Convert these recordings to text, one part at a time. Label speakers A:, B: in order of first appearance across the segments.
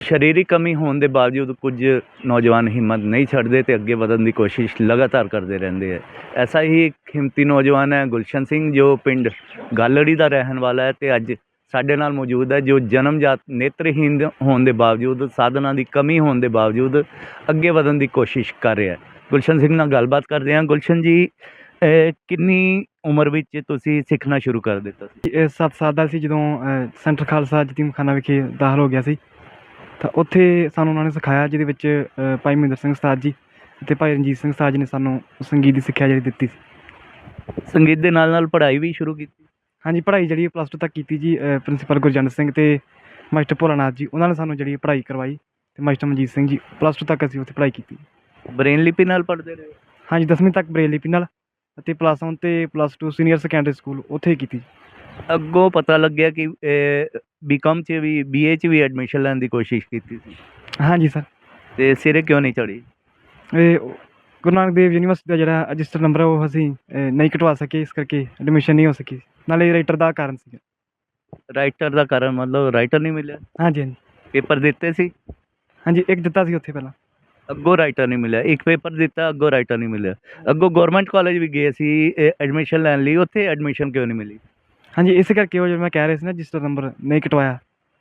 A: ਸਰੀਰਕ ਕਮੀ ਹੋਣ ਦੇ ਬਾਵਜੂਦ ਕੁਝ ਨੌਜਵਾਨ ਹਿੰਮਤ ਨਹੀਂ ਛੱਡਦੇ ਅਤੇ ਅੱਗੇ ਵਧਣ ਦੀ ਕੋਸ਼ਿਸ਼ ਲਗਾਤਾਰ ਕਰਦੇ ਰਹਿੰਦੇ ਹੈ। ਐਸਾ ਹੀ ਇੱਕ ਹਿੰਮਤੀ ਨੌਜਵਾਨ ਹੈ ਗੁਲਸ਼ਨ ਸਿੰਘ, ਜੋ ਪਿੰਡ ਗਾਲੜੀ ਦਾ ਰਹਿਣ ਵਾਲਾ ਹੈ ਅਤੇ ਅੱਜ ਸਾਡੇ ਨਾਲ ਮੌਜੂਦ ਹੈ, ਜੋ ਜਨਮਜਾਤ ਨੇਤਰਹੀਨ ਹੋਣ ਦੇ ਬਾਵਜੂਦ, ਸਾਧਨਾਂ ਦੀ ਕਮੀ ਹੋਣ ਦੇ ਬਾਵਜੂਦ ਅੱਗੇ ਵਧਣ ਦੀ ਕੋਸ਼ਿਸ਼ ਕਰ ਰਿਹਾ ਹੈ। ਗੁਲਸ਼ਨ ਸਿੰਘ ਨਾਲ ਗੱਲਬਾਤ ਕਰਦੇ ਹਾਂ। ਗੁਲਸ਼ਨ ਜੀ, ਕਿੰਨੀ ਉਮਰ ਵਿੱਚ ਤੁਸੀਂ ਸਿੱਖਣਾ ਸ਼ੁਰੂ ਕਰ ਦਿੱਤਾ ਸੀ?
B: ਇਹ 7 ਸਾਲ ਦਾ ਸੀ ਜਦੋਂ ਸੈਂਟਰ ਖਾਲਸਾ ਯਤੀਮਖਾਨਾ ਵਿਖੇ ਦਾਖਲ ਹੋ ਗਿਆ ਸੀ। ਤਾਂ ਉੱਥੇ ਸਾਨੂੰ ਉਹਨਾਂ ਨੇ ਸਿਖਾਇਆ, ਜਿਹਦੇ ਵਿੱਚ ਭਾਈ ਮਹਿੰਦਰ ਸਿੰਘ ਉਸਤਾਦ ਜੀ ਅਤੇ ਭਾਈ ਰਣਜੀਤ ਸਿੰਘ ਉਸਤਾਦ ਜੀ ਨੇ ਸਾਨੂੰ ਸੰਗੀਤ ਦੀ ਸਿੱਖਿਆ ਜਿਹੜੀ ਦਿੱਤੀ ਸੀ।
A: ਸੰਗੀਤ ਦੇ ਨਾਲ ਨਾਲ ਪੜ੍ਹਾਈ ਵੀ ਸ਼ੁਰੂ ਕੀਤੀ?
B: ਹਾਂਜੀ, ਪੜ੍ਹਾਈ ਜਿਹੜੀ +2 ਤੱਕ ਕੀਤੀ ਜੀ। ਪ੍ਰਿੰਸੀਪਲ ਗੁਰਜੰਟ ਸਿੰਘ ਅਤੇ ਮਾਸਟਰ ਭੋਲਾਨਾਥ ਜੀ, ਉਹਨਾਂ ਨੇ ਸਾਨੂੰ ਜਿਹੜੀ ਪੜ੍ਹਾਈ ਕਰਵਾਈ, ਅਤੇ ਮਾਸਟਰ ਮਨਜੀਤ ਸਿੰਘ ਜੀ। +2 ਤੱਕ ਅਸੀਂ ਉੱਥੇ ਪੜ੍ਹਾਈ ਕੀਤੀ।
A: ਬਰੇਨ ਲਿਪੀ ਨਾਲ ਪੜ੍ਹਦੇ ਰਹੇ?
B: ਹਾਂਜੀ, 10ਵੀਂ ਤੱਕ ਬਰੇਲ ਲਿਪੀ ਨਾਲ, ਅਤੇ +1 ਅਤੇ +2 ਸੀਨੀਅਰ ਸੈਕੰਡਰੀ ਸਕੂਲ ਉੱਥੇ ਹੀ ਕੀਤੀ।
A: ਅੱਗੋਂ ਪਤਾ ਲੱਗਿਆ ਕਿ ਬੀਕਾਮ 'ਚ ਵੀ, BA 'ਚ ਵੀ ਐਡਮਿਸ਼ਨ ਲੈਣ ਦੀ ਕੋਸ਼ਿਸ਼ ਕੀਤੀ ਸੀ।
B: ਹਾਂਜੀ ਸਰ।
A: ਅਤੇ ਸਿਰੇ ਕਿਉਂ ਨਹੀਂ ਚੜ੍ਹੀ?
B: ਇਹ ਗੁਰੂ ਨਾਨਕ ਦੇਵ ਯੂਨੀਵਰਸਿਟੀ ਦਾ ਜਿਹੜਾ ਰਜਿਸਟਰ ਨੰਬਰ ਉਹ ਅਸੀਂ ਨਹੀਂ ਕਟਵਾ ਸਕੇ, ਇਸ ਕਰਕੇ ਐਡਮਿਸ਼ਨ ਨਹੀਂ ਹੋ ਸਕੀ। ਨਾਲੇ ਰਾਈਟਰ ਦਾ ਕਾਰਨ ਸੀਗਾ।
A: ਰਾਈਟਰ ਦਾ ਕਾਰਨ ਮਤਲਬ ਰਾਈਟਰ ਨਹੀਂ ਮਿਲਿਆ?
B: ਹਾਂਜੀ ਹਾਂਜੀ
A: ਪੇਪਰ ਦਿੱਤੇ ਸੀ?
B: ਹਾਂਜੀ, ਇੱਕ ਦਿੱਤਾ ਸੀ ਉੱਥੇ ਪਹਿਲਾਂ।
A: ਅੱਗੋਂ ਰਾਈਟਰ ਨਹੀਂ ਮਿਲਿਆ। ਇੱਕ ਪੇਪਰ ਦਿੱਤਾ, ਅੱਗੋਂ ਰਾਈਟਰ ਨਹੀਂ ਮਿਲਿਆ। ਅੱਗੋਂ ਗੌਰਮੈਂਟ ਕਾਲਜ ਵੀ ਗਏ ਸੀ ਐਡਮਿਸ਼ਨ ਲੈਣ ਲਈ, ਉੱਥੇ ਐਡਮਿਸ਼ਨ ਕਿਉਂ ਨਹੀਂ ਮਿਲੀ?
B: ਹਾਂਜੀ, ਇਸੇ ਕਰਕੇ ਉਹ ਜਿਹੜਾ ਮੈਂ ਕਹਿ ਰਿਹਾ ਸੀ ਨਾ, ਰਜਿਸਟਰ ਨੰਬਰ ਨਹੀਂ ਕਟਵਾਇਆ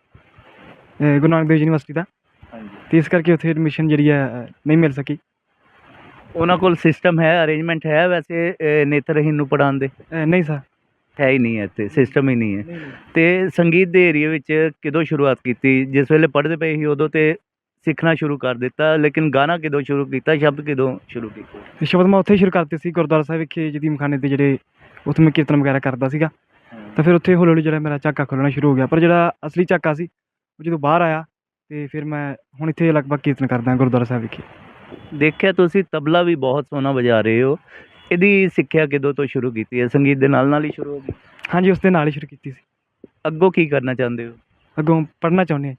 B: ਗੁਰੂ ਨਾਨਕ ਦੇਵ ਯੂਨੀਵਰਸਿਟੀ ਦਾ,
A: ਹਾਂਜੀ।
B: ਅਤੇ ਇਸ ਕਰਕੇ ਉੱਥੇ ਐਡਮਿਸ਼ਨ ਜਿਹੜੀ ਹੈ ਨਹੀਂ ਮਿਲ ਸਕੀ।
A: ਉਹਨਾਂ ਕੋਲ ਸਿਸਟਮ ਹੈ, ਅਰੇਂਜਮੈਂਟ ਹੈ ਵੈਸੇ ਨੇਤਰਹੀਨ ਨੂੰ ਪੜ੍ਹਾਉਣ ਦੇ?
B: ਨਹੀਂ ਸਰ,
A: ਹੈ ਹੀ ਨਹੀਂ ਹੈ, ਇੱਥੇ ਸਿਸਟਮ ਹੀ ਨਹੀਂ ਹੈ। ਅਤੇ ਸੰਗੀਤ ਦੇ ਏਰੀਏ ਵਿੱਚ ਕਦੋਂ ਸ਼ੁਰੂਆਤ ਕੀਤੀ? ਜਿਸ ਵੇਲੇ ਪੜ੍ਹਦੇ ਪਏ ਸੀ ਉਦੋਂ ਤੇ ਸਿੱਖਣਾ ਸ਼ੁਰੂ ਕਰ ਦਿੱਤਾ, ਲੇਕਿਨ ਗਾਣਾ ਕਦੋਂ ਸ਼ੁਰੂ ਕੀਤਾ, ਸ਼ਬਦ ਕਦੋਂ ਸ਼ੁਰੂ ਕੀਤੇ?
B: ਸ਼ਬਦ ਮੈਂ ਉੱਥੇ ਹੀ ਸ਼ੁਰੂ ਕਰਤੇ ਸੀ, ਗੁਰਦੁਆਰਾ ਸਾਹਿਬ ਵਿਖੇ ਯਤੀਮਖਾਨੇ ਦੇ ਜਿਹੜੇ ਉੱਥੇ ਮੈਂ ਕੀਰਤਨ ਵਗੈਰਾ ਕਰਦਾ ਸੀਗਾ। ਤਾਂ ਫਿਰ ਉੱਥੇ ਹੌਲੀ ਹੌਲੀ ਜਿਹੜਾ ਮੇਰਾ ਝਾਕਾ ਖੁੱਲ੍ਹਣਾ ਸ਼ੁਰੂ ਹੋ ਗਿਆ। ਪਰ ਜਿਹੜਾ ਅਸਲੀ ਝਾਕਾ ਸੀ ਉਹ ਜਦੋਂ ਬਾਹਰ ਆਇਆ, ਅਤੇ ਫਿਰ ਮੈਂ ਹੁਣ ਇੱਥੇ ਲਗਭਗ ਕੀਰਤਨ ਕਰਦਾ ਗੁਰਦੁਆਰਾ ਸਾਹਿਬ ਵਿਖੇ।
A: ਦੇਖਿਆ ਤੁਸੀਂ ਤਬਲਾ ਵੀ ਬਹੁਤ ਸੋਹਣਾ ਵਜਾ ਰਹੇ ਹੋ। ਇਹਦੀ ਸਿੱਖਿਆ ਕਦੋਂ ਤੋਂ ਸ਼ੁਰੂ ਕੀਤੀ ਹੈ? ਸੰਗੀਤ ਦੇ ਨਾਲ ਨਾਲ ਹੀ ਸ਼ੁਰੂ ਹੋ ਗਈ?
B: ਹਾਂਜੀ, ਉਸ ਦੇ ਨਾਲ ਹੀ ਸ਼ੁਰੂ ਕੀਤੀ ਸੀ।
A: ਅੱਗੋਂ ਕੀ ਕਰਨਾ ਚਾਹੁੰਦੇ ਹੋ?
B: ਅੱਗੋਂ ਪੜ੍ਹਨਾ ਚਾਹੁੰਦੇ ਹਾਂ।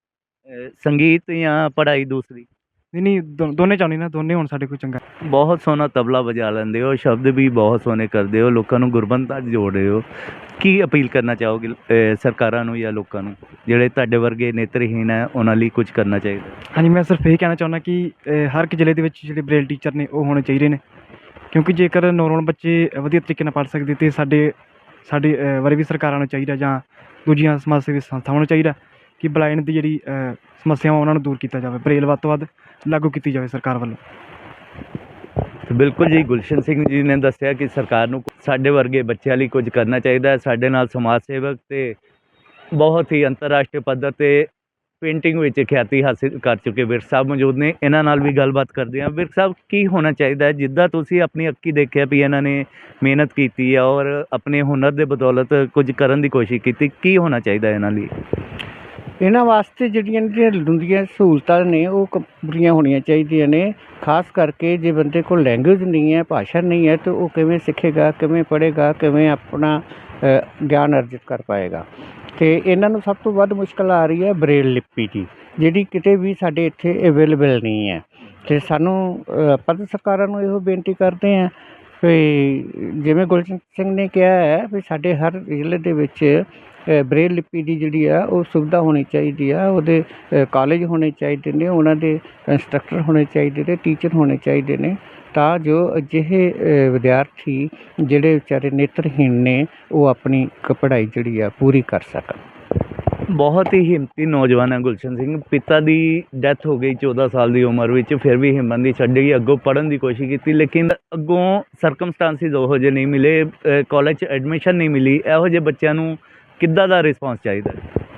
A: ਸੰਗੀਤ ਜਾਂ ਪੜ੍ਹਾਈ ਦੂਸਰੀ?
B: ਨਹੀਂ, ਦੋਨੇ ਚਾਹੁੰਦੇ ਨਾ, ਦੋਨੇ ਹੋਣ ਸਾਡੇ ਕੋਲ ਚੰਗਾ।
A: ਬਹੁਤ ਸੋਹਣਾ ਤਬਲਾ ਵਜਾ ਲੈਂਦੇ ਹੋ, ਸ਼ਬਦ ਵੀ ਬਹੁਤ ਸੋਹਣੇ ਕਰਦੇ ਹੋ, ਲੋਕਾਂ ਨੂੰ ਗੁਰਬੰਤਾ 'ਚ ਜੋੜ ਰਹੇ ਹੋ। ਕੀ ਅਪੀਲ ਕਰਨਾ ਚਾਹੋਗੇ ਸਰਕਾਰਾਂ ਨੂੰ ਜਾਂ ਲੋਕਾਂ ਨੂੰ, ਜਿਹੜੇ ਤੁਹਾਡੇ ਵਰਗੇ ਨੇਤਰਹੀਨ ਹੈ, ਉਹਨਾਂ ਲਈ ਕੁਝ ਕਰਨਾ ਚਾਹੀਦਾ?
B: ਹਾਂਜੀ, ਮੈਂ ਸਿਰਫ ਇਹ ਕਹਿਣਾ ਚਾਹੁੰਦਾ ਕਿ ਹਰ ਇੱਕ ਜ਼ਿਲ੍ਹੇ ਦੇ ਵਿੱਚ ਜਿਹੜੇ ਬਰੇਲ ਟੀਚਰ ਨੇ ਉਹ ਹੋਣੇ ਚਾਹੀਦੇ ਨੇ, ਕਿਉਂਕਿ ਜੇਕਰ ਨੌਰਮਲ ਬੱਚੇ ਵਧੀਆ ਤਰੀਕੇ ਨਾਲ ਪੜ੍ਹ ਸਕਦੇ, ਅਤੇ ਸਾਡੇ ਬਾਰੇ ਵੀ ਸਰਕਾਰਾਂ ਨੂੰ ਚਾਹੀਦਾ, ਜਾਂ ਦੂਜੀਆਂ ਸਮਾਜ ਸੇਵੀ ਸੰਸਥਾਵਾਂ ਨੂੰ ਚਾਹੀਦਾ ਕਿ ਬਲਾਈਂਡ ਦੀ ਜਿਹੜੀ ਸਮੱਸਿਆਵਾਂ ਉਹਨਾਂ ਨੂੰ ਦੂਰ ਕੀਤਾ ਜਾਵੇ, ਬਰੇਲ ਵੱਧ ਤੋਂ ਵੱਧ ਲਾਗੂ ਕੀਤੀ ਜਾਵੇ ਸਰਕਾਰ ਵੱਲੋਂ।
A: ਬਿਲਕੁਲ ਜੀ, ਗੁਲਸ਼ਨ ਸਿੰਘ ਜੀ ਨੇ ਦੱਸਿਆ ਕਿ ਸਰਕਾਰ ਨੂੰ ਸਾਡੇ ਵਰਗੇ ਬੱਚਿਆਂ ਲਈ ਕੁਝ ਕਰਨਾ ਚਾਹੀਦਾ ਹੈ। ਸਾਡੇ ਨਾਲ ਸਮਾਜ ਸੇਵਕ ਅਤੇ ਬਹੁਤ ਹੀ ਅੰਤਰਰਾਸ਼ਟਰੀ ਪੱਧਰ 'ਤੇ ਪੇਂਟਿੰਗ ਵਿੱਚ ਖਿਆਤੀ ਹਾਸਿਲ ਕਰ ਚੁੱਕੇ ਵਿਰਕ ਸਾਹਿਬ ਮੌਜੂਦ ਨੇ। ਇਹਨਾਂ ਨਾਲ ਵੀ ਗੱਲਬਾਤ ਕਰਦੇ ਹਾਂ। ਵਿਰਕ ਸਾਹਿਬ, ਕੀ ਹੋਣਾ ਚਾਹੀਦਾ ਹੈ? ਜਿੱਦਾਂ ਤੁਸੀਂ ਆਪਣੀ ਅੱਖੀਂ ਦੇਖਿਆ ਵੀ ਇਹਨਾਂ ਨੇ ਮਿਹਨਤ ਕੀਤੀ ਹੈ ਔਰ ਆਪਣੇ ਹੁਨਰ ਦੇ ਬਦੌਲਤ ਕੁਝ ਕਰਨ ਦੀ ਕੋਸ਼ਿਸ਼ ਕੀਤੀ, ਕੀ ਹੋਣਾ ਚਾਹੀਦਾ ਇਹਨਾਂ ਲਈ?
C: ਇਹਨਾਂ ਵਾਸਤੇ ਜਿਹੜੀਆਂ ਲੋੜੀਂਦੀਆਂ ਸਹੂਲਤਾਂ ਨੇ ਉਹ ਪੂਰੀਆਂ ਹੋਣੀਆਂ ਚਾਹੀਦੀਆਂ ਨੇ। ਖਾਸ ਕਰਕੇ ਜੇ ਬੰਦੇ ਕੋਲ ਲੈਂਗੁਏਜ ਨਹੀਂ ਹੈ, ਭਾਸ਼ਾ ਨਹੀਂ ਹੈ, ਤਾਂ ਉਹ ਕਿਵੇਂ ਸਿੱਖੇਗਾ, ਕਿਵੇਂ ਪੜ੍ਹੇਗਾ, ਕਿਵੇਂ ਆਪਣਾ ਗਿਆਨ ਅਰਜਿਤ ਕਰ ਪਾਏਗਾ। ਅਤੇ ਇਹਨਾਂ ਨੂੰ ਸਭ ਤੋਂ ਵੱਧ ਮੁਸ਼ਕਿਲ ਆ ਰਹੀ ਹੈ ਬਰੇਲ ਲਿਪੀ ਦੀ, ਜਿਹੜੀ ਕਿਤੇ ਵੀ ਸਾਡੇ ਇੱਥੇ ਅਵੇਲੇਬਲ ਨਹੀਂ ਹੈ। ਅਤੇ ਸਾਨੂੰ ਆਪਾਂ ਤਾਂ ਸਰਕਾਰਾਂ ਨੂੰ ਇਹੋ ਬੇਨਤੀ ਕਰਦੇ ਹਾਂ ਵੀ ਜਿਵੇਂ ਗੁਲਸ਼ਨ ਸਿੰਘ ਨੇ ਕਿਹਾ ਹੈ ਵੀ ਸਾਡੇ ਹਰ ਜ਼ਿਲ੍ਹੇ ਦੇ ਵਿੱਚ ਬਰੇਲ ਲਿਪੀ ਦੀ ਜਿਹੜੀ ਆ ਉਹ ਸੁਵਿਧਾ ਹੋਣੀ ਚਾਹੀਦੀ ਆ। ਉਹਦੇ ਕਾਲਜ ਹੋਣੇ ਚਾਹੀਦੇ ਨੇ, ਉਹਨਾਂ ਦੇ ਇੰਸਟਰਕਟਰ ਹੋਣੇ ਚਾਹੀਦੇ ਨੇ, ਟੀਚਰ ਹੋਣੇ ਚਾਹੀਦੇ ਨੇ, ਤਾਂ ਜੋ ਅਜਿਹੇ ਵਿਦਿਆਰਥੀ ਜਿਹੜੇ ਵਿਚਾਰੇ ਨੇਤਰਹੀਣ ਨੇ ਉਹ ਆਪਣੀ ਪੜ੍ਹਾਈ ਜਿਹੜੀ ਆ ਪੂਰੀ ਕਰ ਸਕਣ।
A: ਬਹੁਤ ਹੀ ਹਿੰਮਤੀ ਨੌਜਵਾਨ ਹੈ ਗੁਲਸ਼ਨ ਸਿੰਘ। ਪਿਤਾ ਦੀ ਡੈਥ ਹੋ ਗਈ 14 ਸਾਲ ਦੀ ਉਮਰ ਵਿੱਚ, ਫਿਰ ਵੀ ਹਿੰਮਤ ਨਹੀਂ ਛੱਡੀ, ਅੱਗੋਂ ਪੜ੍ਹਨ ਦੀ ਕੋਸ਼ਿਸ਼ ਕੀਤੀ, ਲੇਕਿਨ ਅੱਗੋਂ ਸਰਕਮਸਟਾਂਸਿਸ ਉਹੋ ਜਿਹੇ ਨਹੀਂ ਮਿਲੇ, ਕਾਲਜ 'ਚ ਐਡਮਿਸ਼ਨ ਨਹੀਂ ਮਿਲੀ। ਇਹੋ ਜਿਹੇ ਬੱਚਿਆਂ ਨੂੰ ਕਿੱਦਾਂ ਦਾ ਰਿਸਪੌਂਸ ਚਾਹੀਦਾ?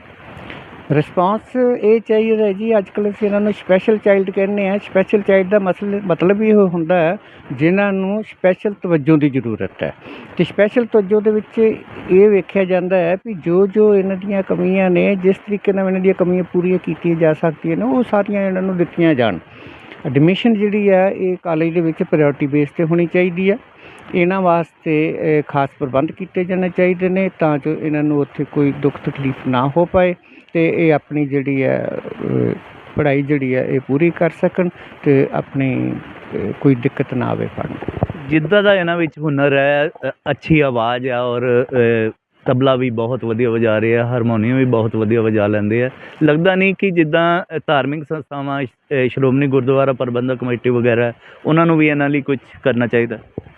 C: ਰਿਸਪੌਂਸ ਇਹ ਚਾਹੀਦਾ ਜੀ, ਅੱਜ ਕੱਲ੍ਹ ਅਸੀਂ ਇਹਨਾਂ ਨੂੰ ਸਪੈਸ਼ਲ ਚਾਈਲਡ ਕਹਿੰਦੇ ਹਾਂ। ਸਪੈਸ਼ਲ ਚਾਈਲਡ ਦਾ ਮਤਲਬ ਇਹ ਹੁੰਦਾ ਹੈ ਜਿਨ੍ਹਾਂ ਨੂੰ ਸਪੈਸ਼ਲ ਤਵੱਜੋ ਦੀ ਜ਼ਰੂਰਤ ਹੈ। ਅਤੇ ਸਪੈਸ਼ਲ ਤਵੱਜੋ ਦੇ ਵਿੱਚ ਇਹ ਵੇਖਿਆ ਜਾਂਦਾ ਹੈ ਵੀ ਜੋ ਇਹਨਾਂ ਦੀਆਂ ਕਮੀਆਂ ਨੇ, ਜਿਸ ਤਰੀਕੇ ਨਾਲ ਇਹਨਾਂ ਦੀਆਂ ਕਮੀਆਂ ਪੂਰੀਆਂ ਕੀਤੀਆਂ ਜਾ ਸਕਦੀਆਂ ਨੇ, ਉਹ ਸਾਰੀਆਂ ਇਹਨਾਂ ਨੂੰ ਦਿੱਤੀਆਂ ਜਾਣ। ਐਡਮਿਸ਼ਨ ਜਿਹੜੀ ਹੈ ਇਹ ਕਾਲਜ ਦੇ ਵਿੱਚ ਪ੍ਰਾਇਓਰਟੀ ਬੇਸ 'ਤੇ ਹੋਣੀ ਚਾਹੀਦੀ ਹੈ। ਇਹਨਾਂ ਵਾਸਤੇ ਖਾਸ ਪ੍ਰਬੰਧ ਕੀਤੇ ਜਾਣੇ ਚਾਹੀਦੇ ਨੇ ਤਾਂ ਜੋ ਇਹਨਾਂ ਨੂੰ ਉੱਥੇ ਕੋਈ ਦੁੱਖ ਤਕਲੀਫ ਨਾ ਹੋ ਪਾਏ, ਅਤੇ ਇਹ ਆਪਣੀ ਜਿਹੜੀ ਹੈ ਪੜ੍ਹਾਈ ਜਿਹੜੀ ਹੈ ਇਹ ਪੂਰੀ ਕਰ ਸਕਣ, ਅਤੇ ਆਪਣੀ ਕੋਈ ਦਿੱਕਤ ਨਾ ਆਵੇ ਪੜ੍ਹਨ।
A: ਜਿੱਦਾਂ ਦਾ ਇਹਨਾਂ ਵਿੱਚ ਹੁਨਰ ਹੈ, ਅੱਛੀ ਆਵਾਜ਼ ਹੈ ਔਰ ਤਬਲਾ ਵੀ ਬਹੁਤ ਵਧੀਆ ਵਜਾ ਰਹੇ ਆ, ਹਾਰਮੋਨੀਅਮ ਵੀ ਬਹੁਤ ਵਧੀਆ ਵਜਾ ਲੈਂਦੇ ਆ। ਲੱਗਦਾ ਨਹੀਂ ਕਿ ਜਿੱਦਾਂ ਧਾਰਮਿਕ ਸੰਸਥਾਵਾਂ ਸ਼੍ਰੋਮਣੀ ਗੁਰਦੁਆਰਾ ਪ੍ਰਬੰਧਕ ਕਮੇਟੀ ਵਗੈਰਾ, ਉਹਨਾਂ ਨੂੰ ਵੀ ਇਹਨਾਂ ਲਈ ਕੁਝ ਕਰਨਾ ਚਾਹੀਦਾ।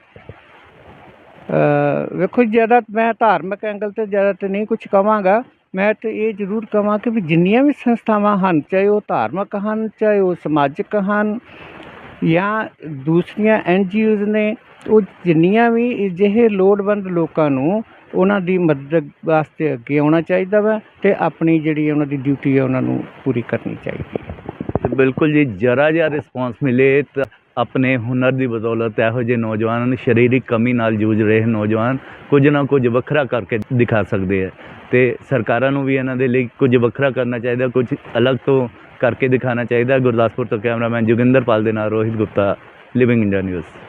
C: ਵੇਖੋ, ਜ਼ਿਆਦਾ ਮੈਂ ਧਾਰਮਿਕ ਐਂਗਲ 'ਤੇ ਜ਼ਿਆਦਾ ਤਾਂ ਨਹੀਂ ਕੁਛ ਕਹਾਂਗਾ। ਮੈਂ ਤਾਂ ਇਹ ਜ਼ਰੂਰ ਕਹਾਂ ਕਿ ਵੀ ਜਿੰਨੀਆਂ ਵੀ ਸੰਸਥਾਵਾਂ ਹਨ, ਚਾਹੇ ਉਹ ਧਾਰਮਿਕ ਹਨ, ਚਾਹੇ ਉਹ ਸਮਾਜਿਕ ਹਨ ਜਾਂ ਦੂਸਰੀਆਂ NGOs ਨੇ, ਉਹ ਜਿੰਨੀਆਂ ਵੀ ਅਜਿਹੇ ਲੋੜਵੰਦ ਲੋਕਾਂ ਨੂੰ ਉਹਨਾਂ ਦੀ ਮਦਦ ਵਾਸਤੇ ਅੱਗੇ ਆਉਣਾ ਚਾਹੀਦਾ ਵਾ ਅਤੇ ਆਪਣੀ ਜਿਹੜੀ ਉਹਨਾਂ ਦੀ ਡਿਊਟੀ ਹੈ ਉਹਨਾਂ ਨੂੰ ਪੂਰੀ ਕਰਨੀ ਚਾਹੀਦੀ ਹੈ।
A: ਤੇ ਬਿਲਕੁਲ ਜੀ, ਜਰਾ ਜਿਹਾ ਰਿਸਪੌਂਸ ਮਿਲੇ ਤਾਂ ਆਪਣੇ ਹੁਨਰ ਦੀ ਬਦੌਲਤ ਇਹੋ ਜਿਹੇ ਨੌਜਵਾਨ, ਸਰੀਰਕ ਕਮੀ ਨਾਲ ਜੂਝ ਰਹੇ ਨੌਜਵਾਨ ਕੁਝ ਨਾ ਕੁਝ ਵੱਖਰਾ ਕਰਕੇ ਦਿਖਾ ਸਕਦੇ ਆ। ਅਤੇ ਸਰਕਾਰਾਂ ਨੂੰ ਵੀ ਇਹਨਾਂ ਦੇ ਲਈ ਕੁਝ ਵੱਖਰਾ ਕਰਨਾ ਚਾਹੀਦਾ, ਕੁਝ ਅਲੱਗ ਤੋਂ ਕਰਕੇ ਦਿਖਾਉਣਾ ਚਾਹੀਦਾ। ਗੁਰਦਾਸਪੁਰ ਤੋਂ ਕੈਮਰਾਮੈਨ ਜੋਗਿੰਦਰਪਾਲ ਦੇ ਨਾਲ Rohit Gupta, living India news.